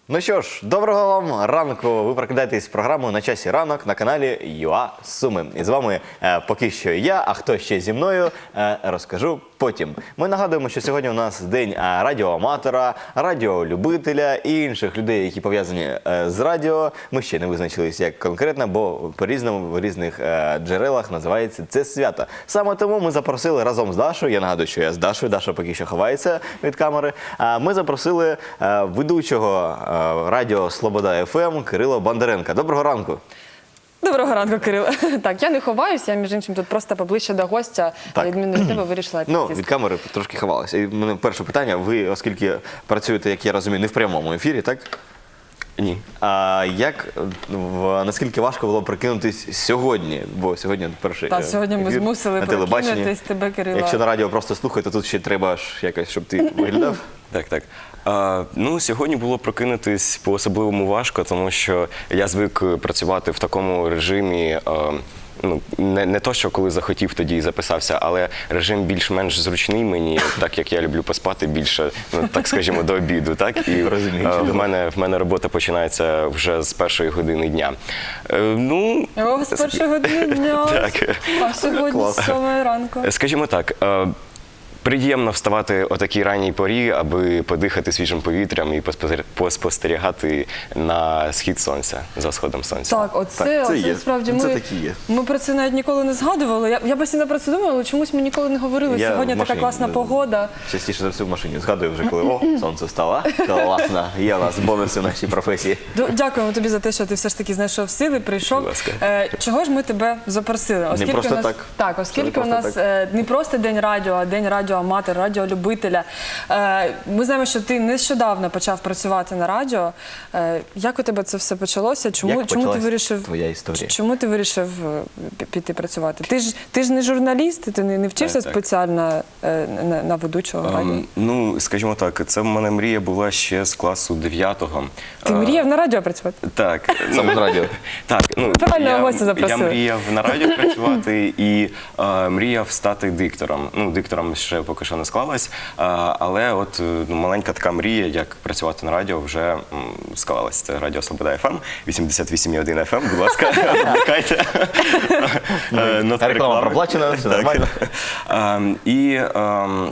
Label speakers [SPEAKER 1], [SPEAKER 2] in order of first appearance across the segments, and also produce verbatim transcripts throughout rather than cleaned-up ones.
[SPEAKER 1] Ну що ж, доброго вам ранку. Ви прокидаєтесь з програмою «На часі ранок» на каналі ЮА Суми. І з вами е, поки що я, а хто ще зі мною, е, розкажу потім. Ми нагадуємо, що сьогодні у нас день е, радіоаматора, радіолюбителя і інших людей, які пов'язані е, з радіо. Ми ще не визначились як конкретно, бо по-різному в різних е, джерелах називається це свято. Саме тому ми запросили разом з Дашою, я нагадую, що я з Дашою, Даша поки що ховається від камери, е, ми запросили е, ведучого е, радіо Слобода еф ем Кирила Бондаренка. Доброго ранку.
[SPEAKER 2] Доброго ранку, Кирило. Так, я не ховаюся, я, між іншим, тут просто поближче до гостя,
[SPEAKER 1] Так.
[SPEAKER 2] на відміну від тебе, вирішила
[SPEAKER 1] Ну,
[SPEAKER 2] підсісти.
[SPEAKER 1] від камери трошки ховалася. І в мене перше питання. Ви, оскільки працюєте, як я розумію, не в прямому ефірі, так?
[SPEAKER 3] Ні.
[SPEAKER 1] А як, в, наскільки важко було прикинутись сьогодні? Бо сьогодні перший
[SPEAKER 2] Так,
[SPEAKER 1] е,
[SPEAKER 2] сьогодні ми
[SPEAKER 1] ефір
[SPEAKER 2] змусили
[SPEAKER 1] на телебаченні.
[SPEAKER 2] прокинутись тебе, Кирило.
[SPEAKER 1] Якщо на радіо просто слухай, то тут ще треба ж якось, щоб ти виглядав.
[SPEAKER 3] Так, так. А, ну, сьогодні було прокинутись по-особливому важко, тому що я звик працювати в такому режимі, а, ну, не, не то, що коли захотів, тоді і записався, але режим більш-менш зручний мені, так як я люблю поспати більше, ну, так скажімо, до обіду. Так? І
[SPEAKER 1] Розумію,
[SPEAKER 3] а, в,
[SPEAKER 1] чудово.
[SPEAKER 3] мене, в мене робота починається вже з першої години дня. Е, ну,
[SPEAKER 2] О, з першої години дня,
[SPEAKER 3] Так.
[SPEAKER 2] а сьогодні
[SPEAKER 1] Клас.
[SPEAKER 2] з сьомої ранку.
[SPEAKER 3] Скажімо так, е, приємно вставати о такій ранній порі, аби подихати свіжим повітрям і поспостер- поспостерігати на схід сонця, за сходом сонця.
[SPEAKER 2] Так, оце,
[SPEAKER 1] Так, це
[SPEAKER 2] оце
[SPEAKER 1] є.
[SPEAKER 2] справді
[SPEAKER 1] Це
[SPEAKER 2] ми,
[SPEAKER 1] такі є.
[SPEAKER 2] ми про це навіть ніколи не згадували. Я, я постійно про це думала, але чомусь ми ніколи не говорили.
[SPEAKER 1] Я
[SPEAKER 2] Сьогодні
[SPEAKER 1] в
[SPEAKER 2] така
[SPEAKER 1] машині,
[SPEAKER 2] класна
[SPEAKER 1] да,
[SPEAKER 2] погода.
[SPEAKER 1] Частіше за все в машині згадую вже, коли о, сонце встало. Класно, є у нас бонуси в нашій професії.
[SPEAKER 2] Ду- Дякуємо тобі за те, що ти все ж таки знайшов сили, прийшов.
[SPEAKER 3] Будь ласка.
[SPEAKER 2] Е, чого ж ми тебе запросили? Оскільки
[SPEAKER 1] просто
[SPEAKER 2] у нас,
[SPEAKER 1] так.
[SPEAKER 2] Так, оскільки
[SPEAKER 1] Це не
[SPEAKER 2] у нас
[SPEAKER 1] просто
[SPEAKER 2] е, не просто день радіо, а день радіоаматор, радіолюбителя. Е, ми знаємо, що ти нещодавно почав працювати на радіо. Е, як у тебе це все почалося? Чому,
[SPEAKER 1] Як
[SPEAKER 2] чому ти
[SPEAKER 1] почалась
[SPEAKER 2] вирішив
[SPEAKER 1] твоя історія?
[SPEAKER 2] Чому ти вирішив е, пі- піти працювати? Ти ж ти ж не журналіст, ти не, не вчився
[SPEAKER 3] Так, так.
[SPEAKER 2] спеціально е, на, на ведучого радіо.
[SPEAKER 3] Ем, ну, скажімо так, це в мене мрія була ще з класу дев'ятого.
[SPEAKER 2] Ти
[SPEAKER 3] Е,
[SPEAKER 2] мріяв на радіо працювати?
[SPEAKER 3] Так.
[SPEAKER 1] Саме з радіо.
[SPEAKER 3] Так, ну,
[SPEAKER 2] Правильно,
[SPEAKER 3] я,
[SPEAKER 2] гостя
[SPEAKER 3] я
[SPEAKER 2] запросили.
[SPEAKER 3] мріяв на радіо працювати і е, мріяв стати диктором. Ну, диктором ще поки що не склалось, е, але от е, ну, маленька така мрія, як працювати на радіо, вже м, склалась. Це радіо Слобода еф ем, вісімдесят вісім і один еф ем, будь ласка, вмикайте. Е, нота
[SPEAKER 1] Реклама
[SPEAKER 3] реклами.
[SPEAKER 1] проплачена, все нормально.
[SPEAKER 3] Ем, І ем,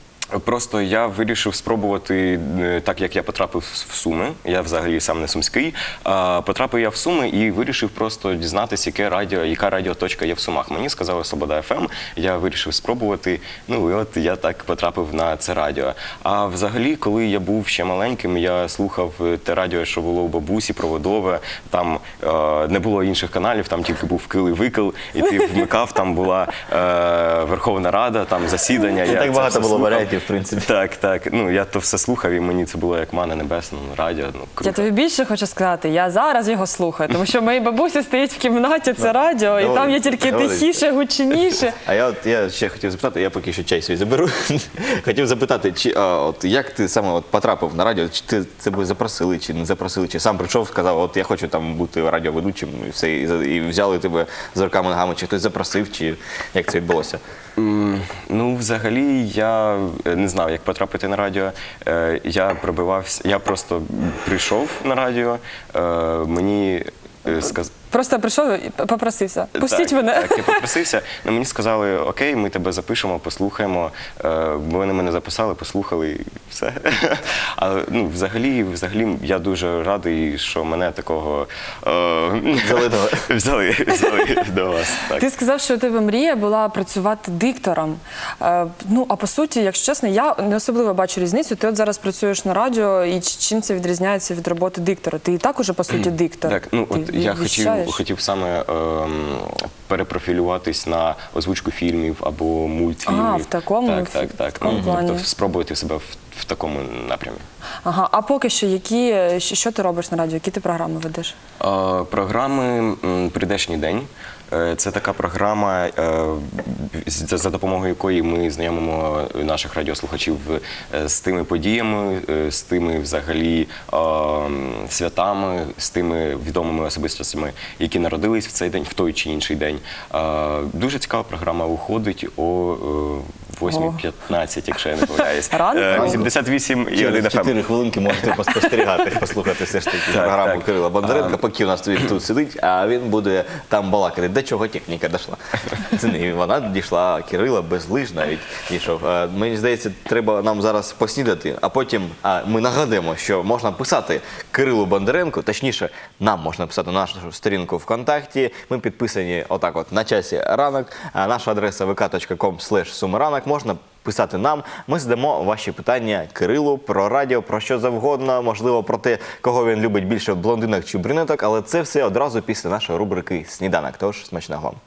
[SPEAKER 3] просто я вирішив спробувати, е, так як я потрапив в Суми, я взагалі сам не сумський, а потрапив я в Суми і вирішив просто дізнатися, яке радіо, яка радіоточка є в Сумах. Мені сказали Слобода еф ем, я вирішив спробувати, ну і от я так потрапив на це радіо. А взагалі, коли я був ще маленьким, я слухав те радіо, що було у бабусі, проводове, там е, не було інших каналів, там тільки був кил і викил, і ти вмикав, там була е, Верховна Рада, там засідання.
[SPEAKER 1] Це
[SPEAKER 3] я
[SPEAKER 1] так
[SPEAKER 3] це
[SPEAKER 1] багато
[SPEAKER 3] все
[SPEAKER 1] було
[SPEAKER 3] слухав.
[SPEAKER 1] варіантів, в принципі.
[SPEAKER 3] Так, так. Ну, я то все слухав, і мені це було як мана небесна, ну, радіо, ну, круто.
[SPEAKER 2] Я тобі більше хочу сказати, я зараз його слухаю, тому що моїй бабусі стоїть в кімнаті, це радіо, і там є
[SPEAKER 1] Доводиться,
[SPEAKER 2] тільки
[SPEAKER 1] доводиться.
[SPEAKER 2] тихіше, гучніше.
[SPEAKER 1] А я от я ще хотів запитати, я поки що чай свій заберу. Хотів запитати, чи а, от як ти саме от потрапив на радіо? Чи ти тебе запросили, чи не запросили, чи сам прийшов, сказав, от я хочу там бути радіоведучим, і все, і, за- і взяли тебе з руками ногами, чи хтось запросив, чи як це відбулося?
[SPEAKER 3] М, Ну, взагалі, я не знав, як потрапити на радіо. Е, Я пробивався, я просто прийшов на радіо, е, мені сказали.
[SPEAKER 2] Просто прийшов і попросився. Пустіть
[SPEAKER 3] так,
[SPEAKER 2] мене.
[SPEAKER 3] Так, я попросився. Ну, мені сказали, окей, ми тебе запишемо, послухаємо. Е, Вони мене записали, послухали і все. Але ну, взагалі, взагалі, я дуже радий, що мене такого е,
[SPEAKER 1] Взяли до-
[SPEAKER 3] взяли, взяли до вас. Так.
[SPEAKER 2] Ти сказав, що у тебе мрія була працювати диктором. Е, ну, а по суті, якщо чесно, я не особливо бачу різницю. Ти от зараз працюєш на радіо, і ч- чим це відрізняється від роботи диктора? Ти і так уже, по суті, диктор.
[SPEAKER 3] Так, ну
[SPEAKER 2] Ти
[SPEAKER 3] от я хотів,
[SPEAKER 2] віщаєш.
[SPEAKER 3] хотів саме ем, перепрофілюватись на озвучку фільмів або мультфільмів.
[SPEAKER 2] А, в такому-
[SPEAKER 3] так, так,
[SPEAKER 2] в
[SPEAKER 3] так.
[SPEAKER 2] такому
[SPEAKER 3] Ну,
[SPEAKER 2] плані.
[SPEAKER 3] тобто спробувати себе в, в такому напрямі.
[SPEAKER 2] Ага, а поки що, які, що що ти робиш на радіо? Які ти програми ведеш?
[SPEAKER 3] Е, Програми м, «Прийдешній день». Е, Це така програма, е, з- за допомогою якої ми знайомимо наших радіослухачів е, з тими подіями, е, з тими взагалі е, святами, з тими відомими особистостями, які народились в цей день, в той чи інший день. Е, Дуже цікава програма виходить о восьма п'ятнадцять, якщо я не помиляюсь.
[SPEAKER 2] Ранку?
[SPEAKER 3] Е, вісімдесят вісім і один
[SPEAKER 1] Через
[SPEAKER 3] еф ем.
[SPEAKER 1] чотири хвилинки можете поспостерігати, послухати все ж таки
[SPEAKER 3] Так,
[SPEAKER 1] програму
[SPEAKER 3] так.
[SPEAKER 1] Кирила Бондаренка,
[SPEAKER 3] А.
[SPEAKER 1] поки у нас він тут сидить, а він буде там балакати. До чого техніка дійшла? Це не вона дійшла, а Кирила безлиж навіть дійшов. Е, Мені здається, треба нам зараз поснідати, а потім а, ми нагадуємо, що можна писати Кирилу Бондаренку, точніше, нам можна писати на нашу сторінку ВКонтакті. Ми підписані отак от на часі ранок. А наша адреса ве ка точка ком слеш сумиранок. Можна писати нам. Ми задамо ваші питання Кирилу про радіо, про що завгодно, можливо, про те, кого він любить більше, блондинок чи брюнеток, але це все одразу після нашої рубрики «Сніданок». Тож, смачного вам.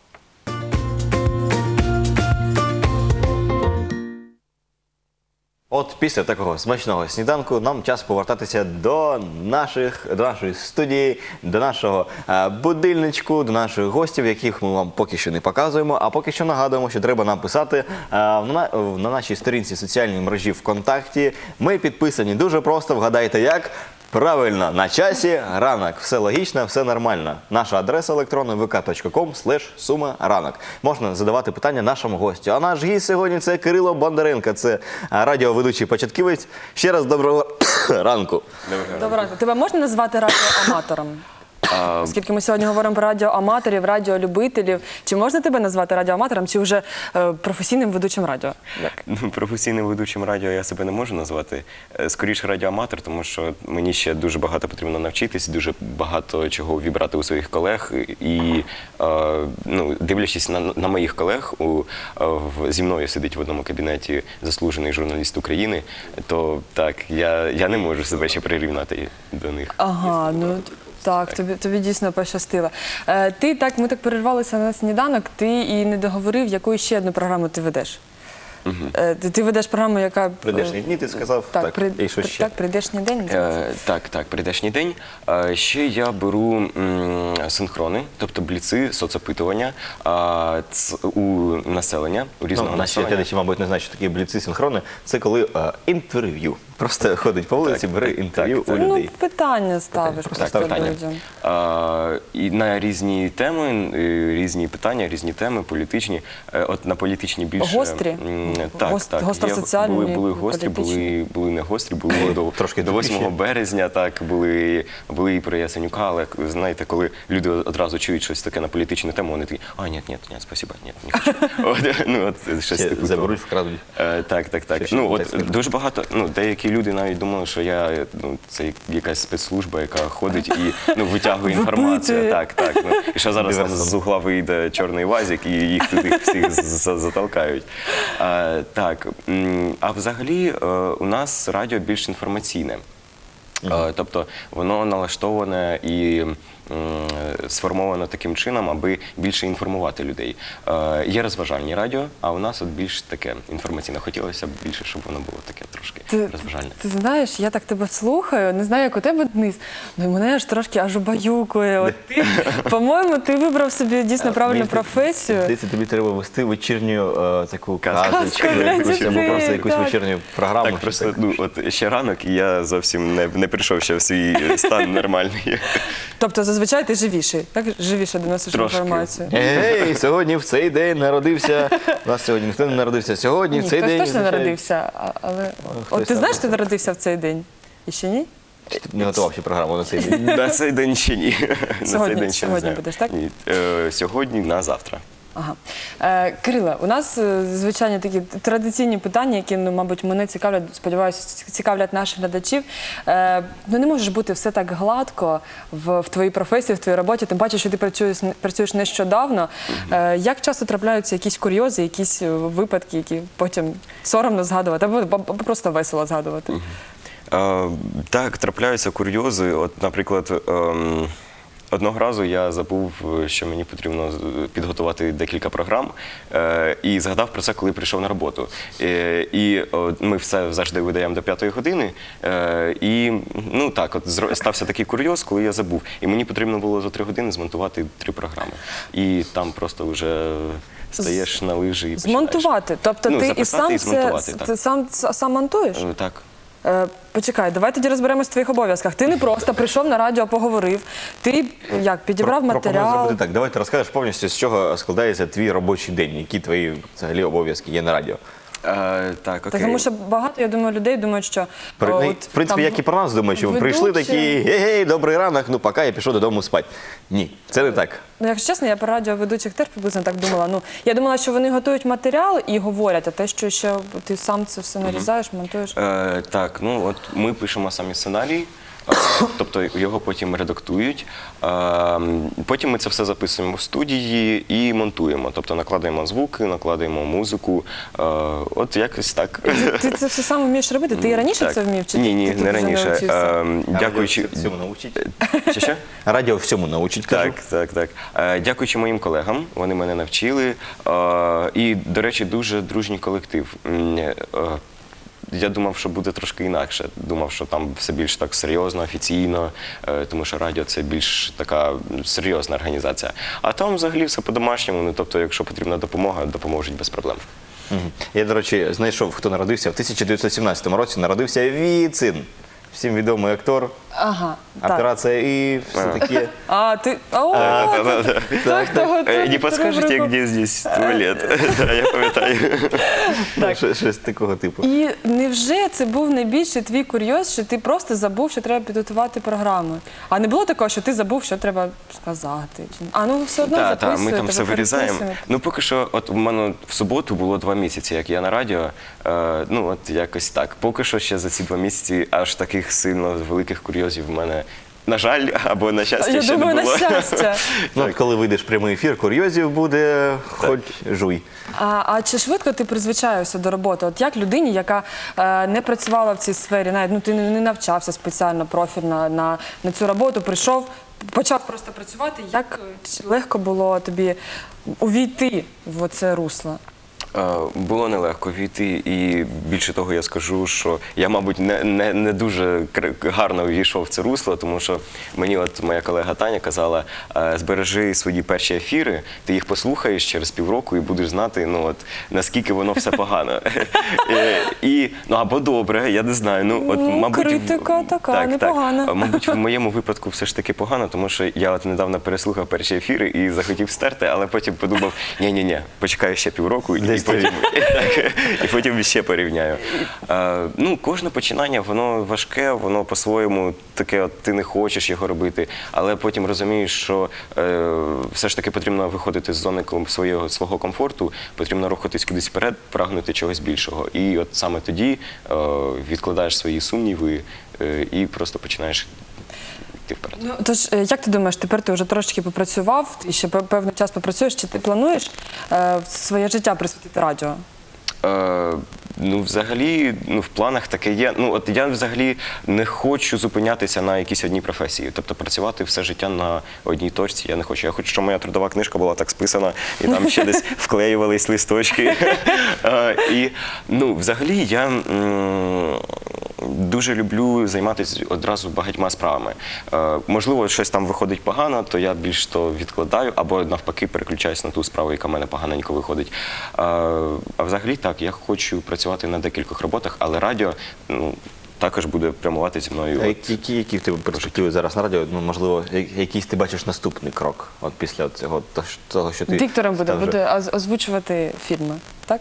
[SPEAKER 1] От після такого смачного сніданку нам час повертатися до наших, до нашої студії, до нашого е, будильничку, до наших гостів, яких ми вам поки що не показуємо, а поки що нагадуємо, що треба нам писати е, на, на нашій сторінці соціальній мережі ВКонтакті. Ми підписані дуже просто, вгадайте як? Правильно, на часі ранок. Все логічно, все нормально. Наша адреса електронна ве ка точка ком слеш сума ранок. Можна задавати питання нашому гостю. А наш гість сьогодні це Кирило Бондаренко, це радіоведучий початківець. Ще раз доброго ранку.
[SPEAKER 2] Доброго ранку. Тебе можна назвати радіоаматором? Оскільки ми сьогодні говоримо про радіоаматорів, радіолюбителів. Чи можна тебе назвати радіоаматором, чи вже е, професійним ведучим радіо? Як?
[SPEAKER 3] Ну, професійним ведучим радіо я себе не можу назвати. Е, Скоріше радіоаматор, тому що мені ще дуже багато потрібно навчитись, дуже багато чого вібрати у своїх колег. І е, ну, дивлячись на, на моїх колег, у, е, в, зі мною сидить в одному кабінеті заслужений журналіст України, то так, я, я не можу себе ще прирівняти до них.
[SPEAKER 2] Ага, ну так, тобі, тобі дійсно пощастило. Е, ти так, ми так перервалися на сніданок, ти і не договорив, яку ще одну програму ти ведеш. Е, ти, ти ведеш програму, яка...
[SPEAKER 1] Прийдешні дні, ти сказав.
[SPEAKER 2] Так,
[SPEAKER 1] Так,
[SPEAKER 2] при,
[SPEAKER 1] і що
[SPEAKER 2] при-
[SPEAKER 1] ще?
[SPEAKER 2] так, прийдешній день.
[SPEAKER 3] Е, так, так, прийдешній день. Е, ще я беру м, синхрони, тобто бліци, соцопитування е, ц, у населення, у різного
[SPEAKER 1] Ну, наші
[SPEAKER 3] населення.
[SPEAKER 1] глядачі, мабуть, не знають, що такі бліци синхрони. Це коли е, інтерв'ю. Просто ходить по вулиці,
[SPEAKER 3] Так,
[SPEAKER 1] бере
[SPEAKER 3] так,
[SPEAKER 1] інтерв'ю
[SPEAKER 3] так,
[SPEAKER 1] у
[SPEAKER 3] так.
[SPEAKER 2] Ну,
[SPEAKER 1] людей.
[SPEAKER 2] питання ставиш
[SPEAKER 3] Так,
[SPEAKER 2] просто
[SPEAKER 3] питання.
[SPEAKER 2] людям.
[SPEAKER 3] А, і на різні теми, е, різні питання, різні теми, політичні. Е, От на політичні більше...
[SPEAKER 2] Гострі?
[SPEAKER 3] м, Так,
[SPEAKER 2] Гост-
[SPEAKER 3] так.
[SPEAKER 2] гостросоціальні,
[SPEAKER 3] Є- Були, були гострі,
[SPEAKER 2] політичні?
[SPEAKER 3] були, були не гострі, були до,
[SPEAKER 1] Трошки
[SPEAKER 3] до восьмого
[SPEAKER 1] тупіші.
[SPEAKER 3] березня, так, були, були і про Яценюка, але, знаєте, коли люди одразу чують щось таке на політичну тему, вони такі, а, ні, ні, ні, спасибо, ні, не хочу. От, ну, от, щось
[SPEAKER 1] Ще
[SPEAKER 3] типу
[SPEAKER 1] заберуть,
[SPEAKER 3] того.
[SPEAKER 1] вкрадуть.
[SPEAKER 3] Е, Так, так, так.
[SPEAKER 1] Ще- ще
[SPEAKER 3] Ну,
[SPEAKER 1] так
[SPEAKER 3] от
[SPEAKER 1] скажу.
[SPEAKER 3] дуже багато, ну, деякі люди навіть думали, що я, ну, це якась спецслужба, яка ходить і, ну, витягує інформацію.
[SPEAKER 2] Випитує.
[SPEAKER 3] Так, так. Ну, і що зараз там
[SPEAKER 1] Диверсант.
[SPEAKER 3] з угла вийде чорний вазик і їх туди всіх з- з- затолкають. А, так, м, а взагалі е, у нас радіо більш інформаційне. Е, Тобто воно налаштоване і м, сформовано таким чином, аби більше інформувати людей. Е, Є розважальні радіо, а у нас от більш таке інформаційне. Хотілося б більше, щоб воно було таке трошки
[SPEAKER 2] Ти,
[SPEAKER 3] розважальне.
[SPEAKER 2] ти знаєш, я так тебе слухаю, не знаю, як у тебе Денис, ну і мене аж трошки аж убаюкує. От ти, по-моєму, ти вибрав собі дійсно правильну
[SPEAKER 1] Мені
[SPEAKER 2] професію.
[SPEAKER 1] Здається, тобі треба вести вечірню е, таку
[SPEAKER 3] Казку.
[SPEAKER 1] казочку,
[SPEAKER 2] Казку для
[SPEAKER 1] якусь, або
[SPEAKER 2] дітей,
[SPEAKER 1] просто якусь
[SPEAKER 2] так.
[SPEAKER 1] вечірню програму.
[SPEAKER 3] Так,
[SPEAKER 1] щось
[SPEAKER 3] просто
[SPEAKER 1] таке.
[SPEAKER 3] ну, от ще ранок, і я зовсім не, не прийшов ще в свій стан нормальний.
[SPEAKER 2] Тобто зазвичай ти живіший, так? Живіше доносиш
[SPEAKER 3] Трошки.
[SPEAKER 2] інформацію.
[SPEAKER 1] Ей, сьогодні в цей день народився. У нас сьогодні ніхто не народився. Сьогодні
[SPEAKER 2] Ні,
[SPEAKER 1] в цей
[SPEAKER 2] хтось
[SPEAKER 1] день.
[SPEAKER 2] точно
[SPEAKER 1] означає-
[SPEAKER 2] народився, а- але...
[SPEAKER 1] хтось
[SPEAKER 2] От ти знаєш,
[SPEAKER 1] там
[SPEAKER 2] ти народився в цей день? І ще ні?
[SPEAKER 1] Чи ти Не готував ще програму на цей день.
[SPEAKER 3] На цей день ще ні. На
[SPEAKER 2] Сьогодні-
[SPEAKER 3] цей день ще не
[SPEAKER 2] сьогодні
[SPEAKER 3] знаю.
[SPEAKER 2] будеш, так?
[SPEAKER 3] Ні. Е, Сьогодні на завтра.
[SPEAKER 2] Ага. Е, Кириле, у нас е, звичайно такі традиційні питання, які, ну, мабуть, мене цікавлять, сподіваюся, цікавлять наших глядачів. Е, ну, не може ж бути все так гладко в, в твоїй професії, в твоїй роботі, тим паче, що ти працюєш, працюєш нещодавно. Е, як часто трапляються якісь курйози, якісь е, випадки, які потім соромно згадувати, або, або просто весело згадувати?
[SPEAKER 3] Е, Так, трапляються курйози. От, наприклад, ем, одного разу я забув, що мені потрібно з- підготувати декілька програм, е, і згадав про це, коли прийшов на роботу. Е, І о, ми все завжди видаємо до п'ятої години. е, І ну так, от зро- стався такий курйоз, коли я забув. І мені потрібно було за три години змонтувати три програми. І там просто вже стаєш на лижі і починаєш.
[SPEAKER 2] Змонтувати. Тобто
[SPEAKER 3] Ну,
[SPEAKER 2] ти і
[SPEAKER 3] записати
[SPEAKER 2] сам
[SPEAKER 3] і
[SPEAKER 2] це
[SPEAKER 3] змонтувати, так.
[SPEAKER 2] ти сам, сам монтуєш?
[SPEAKER 3] Е, Так.
[SPEAKER 2] Е, почекай, давай тоді розберемось в твоїх обов'язках. Ти не просто прийшов на радіо, поговорив. Ти як підібрав
[SPEAKER 1] Пропоную
[SPEAKER 2] матеріал.
[SPEAKER 1] зробити так. Давай ти розкажеш повністю, з чого складається твій робочий день, які твої взагалі обов'язки є на радіо.
[SPEAKER 3] Е, так, окей.
[SPEAKER 2] Тому що багато, я думаю, людей думають, що
[SPEAKER 1] При-
[SPEAKER 2] о,
[SPEAKER 1] ну,
[SPEAKER 2] от,
[SPEAKER 1] в принципі,
[SPEAKER 2] там,
[SPEAKER 1] як і про нас думають, що ми прийшли
[SPEAKER 2] ведучі.
[SPEAKER 1] такі, гей-гей, добрий ранок, ну пока, я пішов додому спати. Ні, це не так.
[SPEAKER 2] Ну, якщо чесно, я про радіоведучих теж приблизно так думала. Ну, я думала, що вони готують матеріал і говорять, а те, що ще ти сам це все нарізаєш, монтуєш.
[SPEAKER 3] Е, так, ну от ми пишемо самі сценарій, е, тобто його потім редактують. Е, потім ми це все записуємо в студії і монтуємо. Тобто накладаємо звуки, накладаємо музику. Е, от якось так.
[SPEAKER 2] Ти це все сам вмієш робити? Ти і раніше
[SPEAKER 3] Так.
[SPEAKER 2] це вмів? Чи
[SPEAKER 3] Ні,
[SPEAKER 2] ти-
[SPEAKER 3] ні,
[SPEAKER 2] ти тут
[SPEAKER 3] не
[SPEAKER 2] вже
[SPEAKER 3] раніше.
[SPEAKER 2] навчився?
[SPEAKER 3] Е, дякуючи.
[SPEAKER 1] Радіо всьому научить.
[SPEAKER 3] Чи що?
[SPEAKER 1] Радіо всьому научить, кажу.
[SPEAKER 3] Так, так, так. Е, Дякуючи моїм колегам, вони мене навчили. Е, І, до речі, дуже дружній колектив. М, е, Я думав, що буде трошки інакше. Думав, що там все більш так серйозно, офіційно, е, тому що радіо це більш така серйозна організація. А там взагалі все по-домашньому. Ну, тобто, якщо потрібна допомога, допоможуть без проблем.
[SPEAKER 1] Мгм. Я, до речі, знайшов, хто народився. В тисяча дев'ятсот сімнадцятому році народився Віцин. Всім відомий актор,
[SPEAKER 2] Ага, так.
[SPEAKER 1] операція і все таке.
[SPEAKER 2] А, ти... О, той, хто
[SPEAKER 3] Е,
[SPEAKER 2] готує
[SPEAKER 3] Не подскажете,
[SPEAKER 2] рубрику.
[SPEAKER 3] де здесь туалет? Да, я пам'ятаю.
[SPEAKER 2] Так.
[SPEAKER 1] Щось- Щось такого типу.
[SPEAKER 2] І невже це був найбільший твій курйоз, що ти просто забув, що треба підготувати програми? А не було такого, що ти забув, що треба сказати? Чи- А, ну все одно
[SPEAKER 3] Так, так, ми
[SPEAKER 2] записуєте,
[SPEAKER 3] там все
[SPEAKER 2] ви
[SPEAKER 3] вирізаємо.
[SPEAKER 2] переписуєте.
[SPEAKER 3] Ну, поки що, от у мене в суботу було два місяці, як я на радіо. Е, ну, от якось так. Поки що ще за ці два місяці аж таких сильно великих курйозів в мене, на жаль, або на щастя,
[SPEAKER 2] Я
[SPEAKER 3] ще
[SPEAKER 2] думаю,
[SPEAKER 3] не
[SPEAKER 2] на
[SPEAKER 3] було.
[SPEAKER 2] щастя.
[SPEAKER 1] Ну, от коли вийдеш в прямий ефір, курйозів буде, хоч жуй.
[SPEAKER 2] А, а чи швидко ти призвичаєшся до роботи? От як людині, яка е, не працювала в цій сфері, навіть ну ти не, не навчався спеціально профільно на, на цю роботу, прийшов, почав просто працювати. Як е, легко було тобі увійти в це русло?
[SPEAKER 3] Е, Було нелегко війти, і більше того, я скажу, що я, мабуть, не, не, не дуже кр- гарно війшов в це русло, тому що мені от моя колега Таня казала, е, збережи свої перші ефіри, ти їх послухаєш через півроку і будеш знати, ну от наскільки воно все погано. Е, І ну або добре, я не знаю. Ну от
[SPEAKER 2] Ну,
[SPEAKER 3] мабуть,
[SPEAKER 2] критика така, непогана.
[SPEAKER 3] Так. Мабуть, в моєму випадку все ж таки погано, тому що я от недавно переслухав перші ефіри і захотів стерти, але потім подумав, ні-ні-ні, почекаю ще півроку і
[SPEAKER 1] Десь
[SPEAKER 3] потім, і, так, і потім ще порівняю. Е, ну, кожне починання, воно важке, воно по-своєму таке, от, ти не хочеш його робити, але потім розумієш, що е, все ж таки потрібно виходити з зони ком- свого, свого комфорту, потрібно рухатись кудись вперед, прагнути чогось більшого. І от саме тоді е, відкладаєш свої сумніви е, і просто починаєш йти вперед.
[SPEAKER 2] Ну, тож, е, як ти думаєш, тепер ти вже трошки попрацював, і ще пев- певний час попрацюєш, чи ти плануєш е, своє життя присвятити радіо?
[SPEAKER 3] Е, ну, взагалі, ну, в планах таке є. Ну, от я взагалі не хочу зупинятися на якійсь одній професії. Тобто працювати все життя на одній точці я не хочу. Я хочу, щоб моя трудова книжка була так списана, і там ще десь вклеювались листочки. Е, І, ну, взагалі, я м, дуже люблю займатися одразу багатьма справами. Е, Можливо, щось там виходить погано, то я більш то відкладаю, або навпаки переключаюсь на ту справу, яка в мене поганенько виходить. Е, А взагалі так, я хочу працювати на декількох роботах, але радіо, ну, також буде прямувати зі мною.
[SPEAKER 1] А
[SPEAKER 3] От,
[SPEAKER 1] які, які, які в тебе перспективи зараз на радіо? Ну, можливо, я- якийсь ти бачиш наступний крок от після цього, то- того, що ти
[SPEAKER 2] Диктором буде,
[SPEAKER 1] став вже-
[SPEAKER 2] буде оз- озвучувати фільми, так?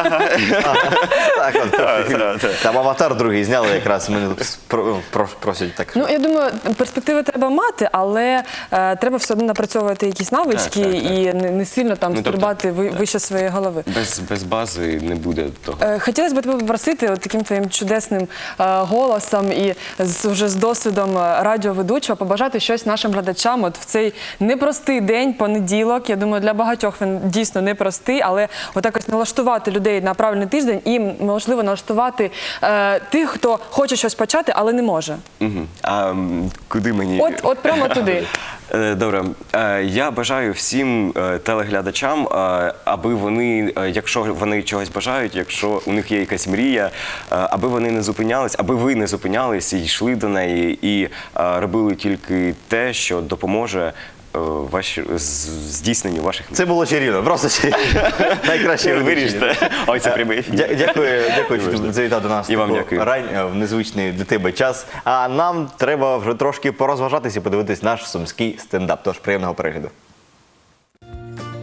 [SPEAKER 1] Так, от, там аватар другий зняли якраз, мене про- про- просять так.
[SPEAKER 2] Ну, я думаю, перспективи треба мати, але е, треба все одно напрацьовувати якісь навички
[SPEAKER 3] Так, так, так.
[SPEAKER 2] і не, не сильно там
[SPEAKER 3] Ну, тобто,
[SPEAKER 2] стрибати ви- вище своєї голови.
[SPEAKER 3] без, без бази не буде того.
[SPEAKER 2] Е, Хотілося б тебе попросити от таким твоїм чудесним е, голосом і з, вже з досвідом е, радіоведучого побажати щось нашим глядачам от в цей непростий день, понеділок. Я думаю, для багатьох він дійсно непростий, але отак ось налаштувати людей на правильний тиждень і, можливо, налаштувати е, тих, хто хоче щось почати, але не може.
[SPEAKER 3] Мгм. А м, куди мені?
[SPEAKER 2] От, от прямо туди.
[SPEAKER 3] Е, Добре, Е, я бажаю всім е, телеглядачам, е, аби вони, е, якщо вони чогось бажають, якщо у них є якась мрія, е, аби вони не зупинялись, аби ви не зупинялись і йшли до неї і е, робили тільки те, що допоможе е, ваші, з- здійсненню ваших мрій.
[SPEAKER 1] Це було чарівно, просто чарівно. Найкраще
[SPEAKER 3] Виріште. Ой, це прямий ефір.
[SPEAKER 1] Дя- Дякую, дякую, що ти завітав до нас
[SPEAKER 3] І вам
[SPEAKER 1] таку
[SPEAKER 3] дякую.
[SPEAKER 1] рань, е, в незвичний для тебе час. А нам треба вже трошки порозважатися і подивитись наш сумський стендап. Тож приємного перегляду.